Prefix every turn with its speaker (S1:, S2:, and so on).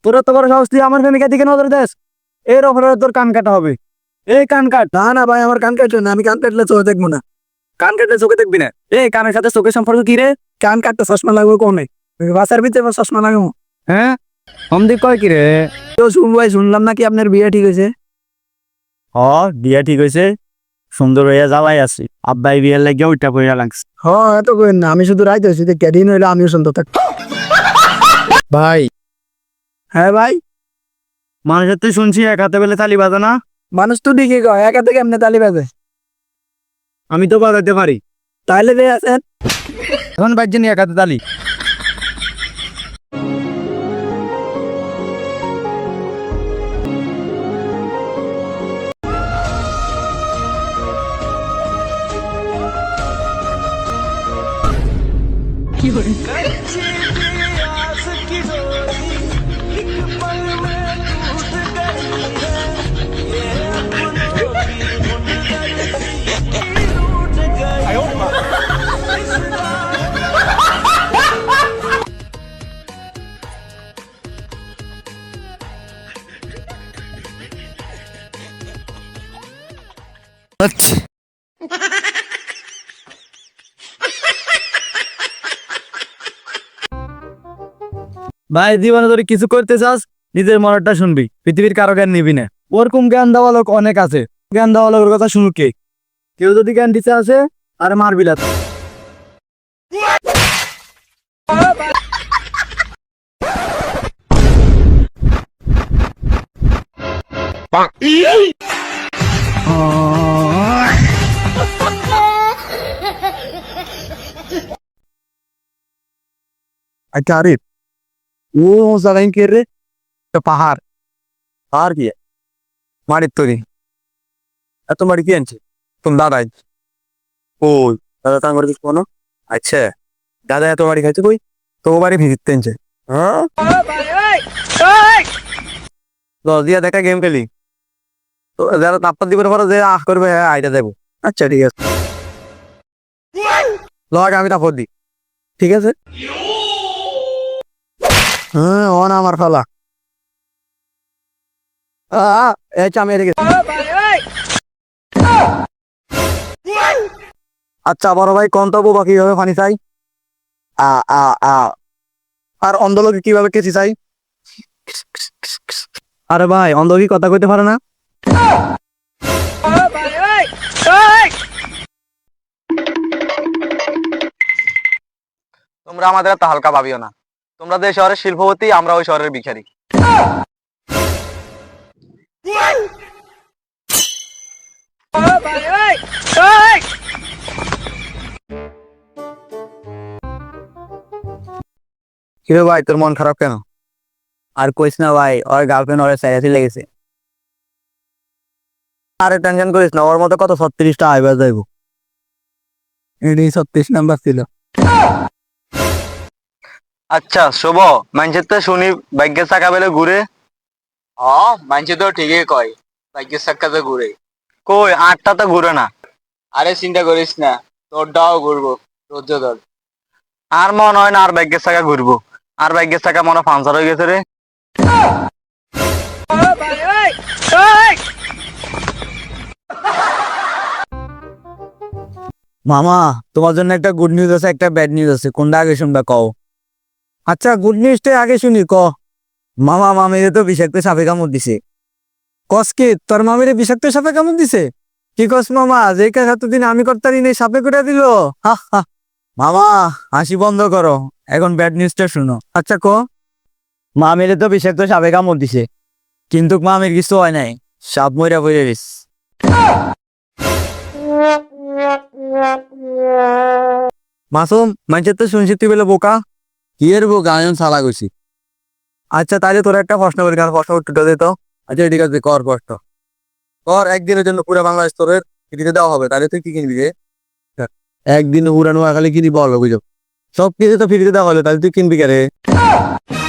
S1: তোর তো বড় সাহস, তুই আমার প্রেমিকা দিকে নজর দেস, এর ওপরে তোর কান কাটা হবে। এই কান কাট।
S2: না না ভাই, আমার কান কাটবে না, আমি কান কাটলে চোখে দেখবো না।
S1: কান কাটলে চোখে দেখবি না? এই কানের সাথে চোখের সম্পর্ক কি রে?
S2: কান কাটতে চশমা লাগবে কোনে? বাসার ভিতরে আবার চশমা লাগাবো?
S1: হ্যাঁ, অমদি কয় কি রে?
S2: তো ভাই, শুনলাম নাকি আপনার বিয়ে ঠিক হয়েছে?
S1: হ, বিয়া ঠিক হয়েছে, সুন্দর হইয়া জ্বালাই আছি। আব্বাই বিয়ের লাগিয়া উইটা পইরা লাগছে।
S2: এত কইেন না, আমি শুধু রাইতে হয়েছি, ক্যাদিন হইলে আমিও সুন্দর থাক। ভাই। হ্যাঁ ভাই।
S1: মানুষের তুই শুনছি এক হাতে বেলে তালি বাজে না?
S2: মানুষ তো ঠিকই কয়, একা থেকে এমনি তালি বাজে।
S1: আমি তো বাজাইতে পারি।
S2: তাইলে রে আছেন।
S1: এখন বাজছে নি এক হাতে তালি।
S2: আচ্ছা।
S1: ভাই, জীবনে যদি কিছু করতে চাস নিজের মনটা শুনবি, পৃথিবীর কারো জ্ঞান নিবি না। ওরকম জ্ঞান দেওয়া লোক অনেক আছে, জ্ঞান দেওয়া লোকের কথা শুনুক কে? কেউ যদি জ্ঞান দিতে আসে আর মারবি না।
S2: আচ্ছা আরিফ, ও জায়গায় কে রে? পাহাড়।
S1: আর কি
S2: মাটির তৈরি। এত বাড়ি কি আনছে? তুমি দাদাই? ও, দাদা তাঙ্গ করে কিছু কোনো? আচ্ছা, দাদা এত বাড়ি খাইছে কই? তো বাড়ি ভিজিট তেনছে। হ্যাঁ, দিয়া দেখা গেম খেলি তো, যারা তাপ্পর দিবে পরে যে আহ করবে, হ্যাঁ আইটা দেবো। আচ্ছা ঠিক আছে, লগ আমি তাপ্পর দিই। ঠিক আছে। হ্যাঁ, অন আমার ফালা। আমি এদিকে। আচ্ছা বড় ভাই, কোন তবু বা কিভাবে পানি চাই? আ আ আ আর অন্ধলোকে কিভাবে কেচি চাই?
S1: আরে ভাই, অন্ধ কি কথা কইতে পারে না?
S2: তোমরা আমাদের এত হালকা ভাবিও না। তোমরা যে শহরের শিল্পপতি, আমরা ওই শহরের ভিখারি। কিরে ভাই, তোর মন খারাপ কেন?
S1: আর কইস না ভাই, ওর গার্লফ্রেন্ড ওরে সাইরাসি লেগেছে।
S2: আরে টেনশন করিস না, ওর মতো কত 36টা আইবা যাইব। এটাই 36 নাম্বার ছিল। আচ্ছা শুভ, মানছে তো শুনি ভাগ্যের চাকা বেলে ঘুরে। মানছে তো ঠিকই কয়, ভাগ্যের চাকা তো ঘুরে। কই, আটটা তো ঘুরে না। আরে চিন্তা করিস না, তোরটাও ঘুরবো, রোজ ধর। আর মনে হয় না আর ভাগ্যের চাকা ঘুরবো। আর ভাগ্যের চাকা মনে হয় পাংচার হয়ে গেছে রে।
S1: মামা, তোমার জন্য একটা গুড নিউজ আছে, একটা ব্যাড নিউজ আছে, কোনটা আগে শুনবা কও?
S2: আচ্ছা, গুড নিউজটাই আগে শুনি, ক।
S1: মামা, মামিরে তো বিষাক্ত সাপে কামড় দিছে।
S2: কস কি, তোর মামিরে বিষাক্ত সাপে কেমন দিছে? কি কস মামা, যে কাজ এতদিন আমি করতারি নেই সাপে করে দিল? হা হা।
S1: মামা, হাসি বন্ধ করো, এখন ব্যাড নিউজটা শুনো।
S2: আচ্ছা ক।
S1: মামিরে তো বিষাক্ত সাপে কামড় দিছে, কিন্তু মামির কিছু হয় নাই, সাপ মইরা পড়ে গেছে।
S2: মাসুম, মানছে তো শুনছি তুই বলে বোকা।
S1: কি এর বোকা, আমি সালা গেছি।
S2: আচ্ছা তাহলে তোর একটা প্রশ্ন করি, কারণ প্রশ্ন উত্তরটা দে তো।
S1: আচ্ছা ঠিক আছে, কর প্রশ্ন।
S2: তোর একদিনের জন্য পুরো বাংলাদেশ তোর ফ্রিতে দেওয়া হবে, তাহলে তুই কি কিনবি রে?
S1: একদিন উড়ানো খালি কি দিব, বুঝো?
S2: সব কিছু তো ফ্রিতে দেওয়া হলো, তাহলে তুই কিনবি কে রে?